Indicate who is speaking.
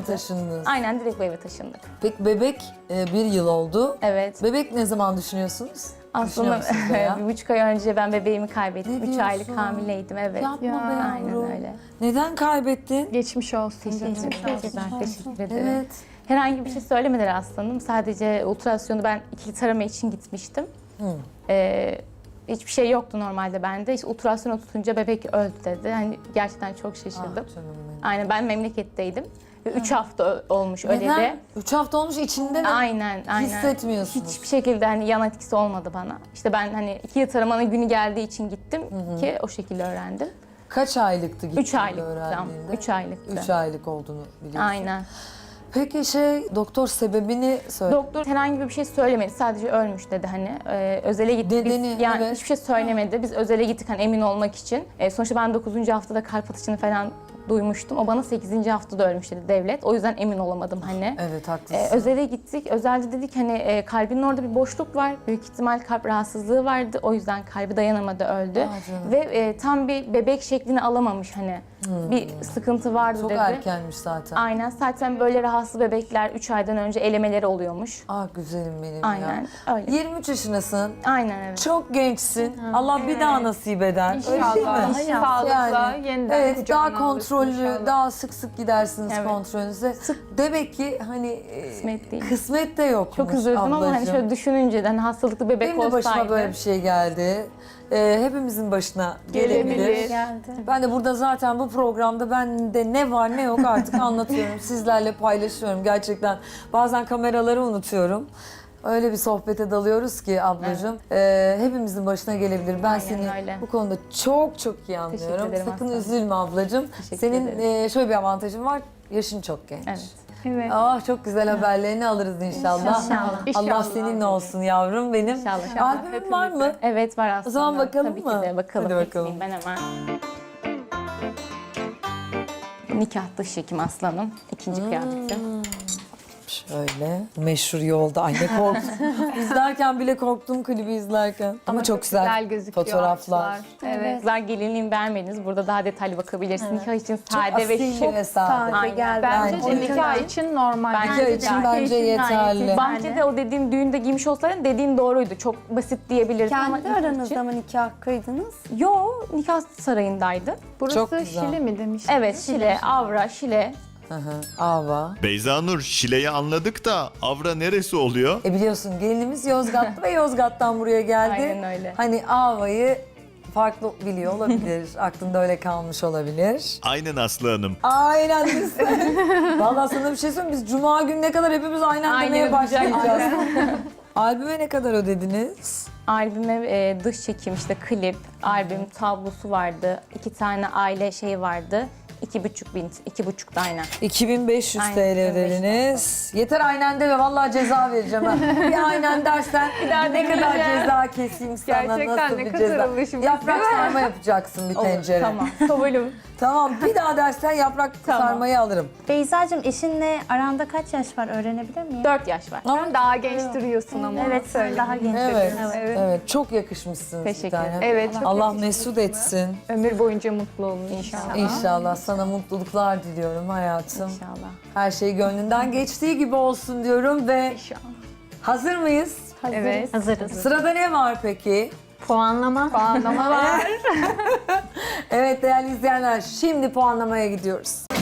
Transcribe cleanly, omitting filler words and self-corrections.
Speaker 1: mi taşındınız?
Speaker 2: Aynen direkt bu eve taşındık.
Speaker 1: Peki bebek bir yıl oldu.
Speaker 2: Evet.
Speaker 1: Bebek ne zaman düşünüyorsunuz?
Speaker 2: Aslında
Speaker 1: Düşünüyor musunuz veya?
Speaker 2: 1,5 ay önce ben bebeğimi kaybettim.
Speaker 1: Ne
Speaker 2: 3 aylık
Speaker 1: diyorsun?
Speaker 2: hamileydim, evet.
Speaker 1: Yapma
Speaker 3: Ya,
Speaker 1: be yavrum.
Speaker 2: Aynen öyle.
Speaker 1: Neden kaybettin?
Speaker 3: Geçmiş olsun.
Speaker 2: Teşekkür ederim.
Speaker 1: Evet.
Speaker 2: Herhangi bir şey söylemediler aslanım. Sadece ultrasyonu ben ikili tarama için gitmiştim. Hiçbir şey yoktu normalde bende. İşte ultrasyonu tutunca bebek öldü dedi. Yani gerçekten çok şaşırdım.
Speaker 1: Ah canım benim.
Speaker 2: Aynen, ben memleketteydim. 3 hafta olmuş öyle
Speaker 1: Neden?
Speaker 2: de.
Speaker 1: 3 hafta olmuş içinde de
Speaker 2: Aynen.
Speaker 1: hissetmiyorsunuz.
Speaker 2: Hiçbir şekilde hani yan etkisi olmadı bana. İşte ben hani ikili taramanın günü geldiği için gittim ki o şekilde öğrendim.
Speaker 1: Kaç aylıktı gittiğinde
Speaker 2: 3 aylıktı.
Speaker 1: öğrendiğinde?
Speaker 2: 3 aylıktı.
Speaker 1: 3 aylık olduğunu biliyorsun.
Speaker 2: Aynen.
Speaker 1: Peki doktor sebebini söyle.
Speaker 2: Doktor herhangi bir şey söylemedi. Sadece ölmüş dedi hani. Özele gittik.
Speaker 1: Dedeni,
Speaker 2: Biz, yani
Speaker 1: evet.
Speaker 2: hiçbir şey söylemedi. Biz özele gittik hani emin olmak için. Sonuçta ben 9. haftada kalp atışını falan duymuştum. O bana 8. haftada ölmüş dedi devlet. O yüzden emin olamadım hani.
Speaker 1: Evet haklısın.
Speaker 2: Özele gittik. Özelde dedik hani kalbinin orada bir boşluk var. Büyük ihtimal kalp rahatsızlığı vardı. O yüzden kalbi dayanamadı, öldü.
Speaker 1: canım.
Speaker 2: Ve tam bir bebek şeklini alamamış hani. Bir sıkıntı vardı
Speaker 1: Çok
Speaker 2: dedi.
Speaker 1: erkenmiş zaten.
Speaker 2: Aynen. Zaten böyle rahatsız bebekler 3 aydan önce elemeleri oluyormuş.
Speaker 1: Ah güzelim benim
Speaker 2: Aynen
Speaker 1: ya.
Speaker 2: öyle.
Speaker 1: 23 yaşındasın.
Speaker 2: Aynen evet.
Speaker 1: Çok gençsin. Allah bir daha nasip eder. Öyle değil mi?
Speaker 3: İnşallah. Sağlıkla yeniden
Speaker 1: Evet,
Speaker 3: kucağına
Speaker 1: daha kontrollü,
Speaker 3: alırsın inşallah.
Speaker 1: daha sık sık gidersiniz
Speaker 2: Evet.
Speaker 1: kontrolünüze. Demek ki hani
Speaker 2: Kısmet değil.
Speaker 1: kısmet de yokmuş
Speaker 2: Çok üzüldüm ama hani
Speaker 1: ablacığım.
Speaker 2: şöyle düşününce de hani hastalıklı bebek
Speaker 1: Benim de
Speaker 2: olsaydı.
Speaker 1: başıma böyle bir şey geldi. Hepimizin başına
Speaker 3: Gelebilir.
Speaker 1: gelebilir.
Speaker 4: Geldi.
Speaker 1: Ben de burada zaten bu programda bende ne var ne yok artık anlatıyorum. Sizlerle paylaşıyorum gerçekten. Bazen kameraları unutuyorum. Öyle bir sohbete dalıyoruz ki ablacığım. Hepimizin başına gelebilir. Ben seni
Speaker 2: öyle.
Speaker 1: bu konuda çok çok iyi anlıyorum.
Speaker 2: ederim
Speaker 1: Sakın
Speaker 2: aslanım.
Speaker 1: üzülme ablacığım.
Speaker 2: Teşekkür
Speaker 1: Senin
Speaker 2: ederim.
Speaker 1: şöyle bir avantajın var. Yaşın çok genç.
Speaker 2: Evet.
Speaker 3: Evet.
Speaker 1: Ah çok güzel haberlerini alırız inşallah.
Speaker 2: İnşallah.
Speaker 1: Allah
Speaker 3: İnşallah.
Speaker 1: seninle olsun yavrum benim.
Speaker 2: İnşallah.
Speaker 1: Albümün var mı?
Speaker 2: Evet var aslında.
Speaker 1: O zaman bakalım
Speaker 2: Tabii
Speaker 1: mı?
Speaker 2: ki de bakalım.
Speaker 1: Hadi bakalım.
Speaker 2: Getireyim ben hemen. Nikah dış çekim aslanım. İkinci kıyafeti.
Speaker 1: Şöyle meşhur yolda. Ay ne korktum. İzlerken bile korktum klibi izlerken. Ama çok güzel,
Speaker 3: gözüküyor
Speaker 1: fotoğraflar.
Speaker 3: ağaçlar. Evet.
Speaker 2: Kızlar gelinliğimi beğenmediniz. Burada daha detaylı bakabilirsin. Nikah için sade ve
Speaker 1: Asil
Speaker 2: şık.
Speaker 1: ve sade.
Speaker 2: Aynen.
Speaker 4: Gel
Speaker 3: Bence
Speaker 1: Bence
Speaker 3: de nikah için normal.
Speaker 1: Nikah için bence yeterli.
Speaker 2: Bahçede o dediğim düğünde giymiş olsaydın dediğin doğruydu. Çok basit diyebilirdim ama
Speaker 4: Kendi
Speaker 2: nikah
Speaker 4: aranızda
Speaker 2: için-
Speaker 4: mı nikah kıydınız?
Speaker 2: Yo, nikah sarayındaydı.
Speaker 3: Burası
Speaker 1: Çok güzel.
Speaker 3: Şili mi demiş?
Speaker 2: Evet, Şile, Avra, Şile.
Speaker 1: Hı hı, Ava.
Speaker 5: Beyza Nur, Şile'yi anladık da Avra neresi oluyor?
Speaker 1: Biliyorsun gelinimiz Yozgatlı ve Yozgat'tan buraya geldi.
Speaker 2: Aynen öyle.
Speaker 1: Hani Ava'yı farklı biliyor olabilir. Aklında öyle kalmış olabilir.
Speaker 5: Aynen Aslı Hanım.
Speaker 1: Aynen biz. Vallahi sana bir şey söyleyeyim. Biz cuma gününe kadar hepimiz aynen
Speaker 2: Aynen
Speaker 1: demeye
Speaker 2: ödeyeceğiz.
Speaker 1: başlayacağız. Albüme ne kadar ödediniz?
Speaker 2: Albüme dış çekim işte klip, albüm tablosu vardı. 2 tane aile şeyi vardı. 2,5 da aynen.
Speaker 1: 2500
Speaker 2: Aynen,
Speaker 1: TL
Speaker 2: 2500
Speaker 1: ödediniz. Yeter aynen deme vallahi ceza vereceğim ha. Bir aynen dersen ne kadar ceza keseyim sana,
Speaker 3: Gerçekten
Speaker 1: nasıl
Speaker 3: ne
Speaker 1: bir
Speaker 3: kadar
Speaker 1: ceza.
Speaker 3: alışmış,
Speaker 1: Yaprak
Speaker 3: değil mi?
Speaker 1: sarma yapacaksın bir tencere.
Speaker 2: Tamam, kabulüm.
Speaker 1: Tamam bir daha dersen yaprak
Speaker 2: Tamam.
Speaker 1: sarmayı alırım.
Speaker 4: Beyza'cığım eşinle aranda kaç yaş var öğrenebilir miyim?
Speaker 2: 4 yaş var.
Speaker 3: Sen daha genç duruyorsun ama.
Speaker 4: Evet, sen daha genç.
Speaker 1: Evet.
Speaker 3: Evet.
Speaker 1: Evet. Çok yakışmışsınız bir
Speaker 2: Teşekkür
Speaker 1: tane.
Speaker 2: ederim.
Speaker 3: Evet, çok
Speaker 1: Allah
Speaker 3: yakışmış.
Speaker 1: mesut etsin.
Speaker 3: Ömür boyunca mutlu olun inşallah.
Speaker 1: İnşallah sana mutluluklar diliyorum hayatım.
Speaker 2: İnşallah.
Speaker 1: Her şey gönlünden geçtiği gibi olsun diyorum ve
Speaker 3: İnşallah.
Speaker 1: hazır mıyız?
Speaker 3: Evet.
Speaker 4: Hazırız.
Speaker 1: Sırada ne var peki?
Speaker 4: Puanlama.
Speaker 3: Puanlama var.
Speaker 1: Evet değerli izleyenler şimdi puanlamaya gidiyoruz.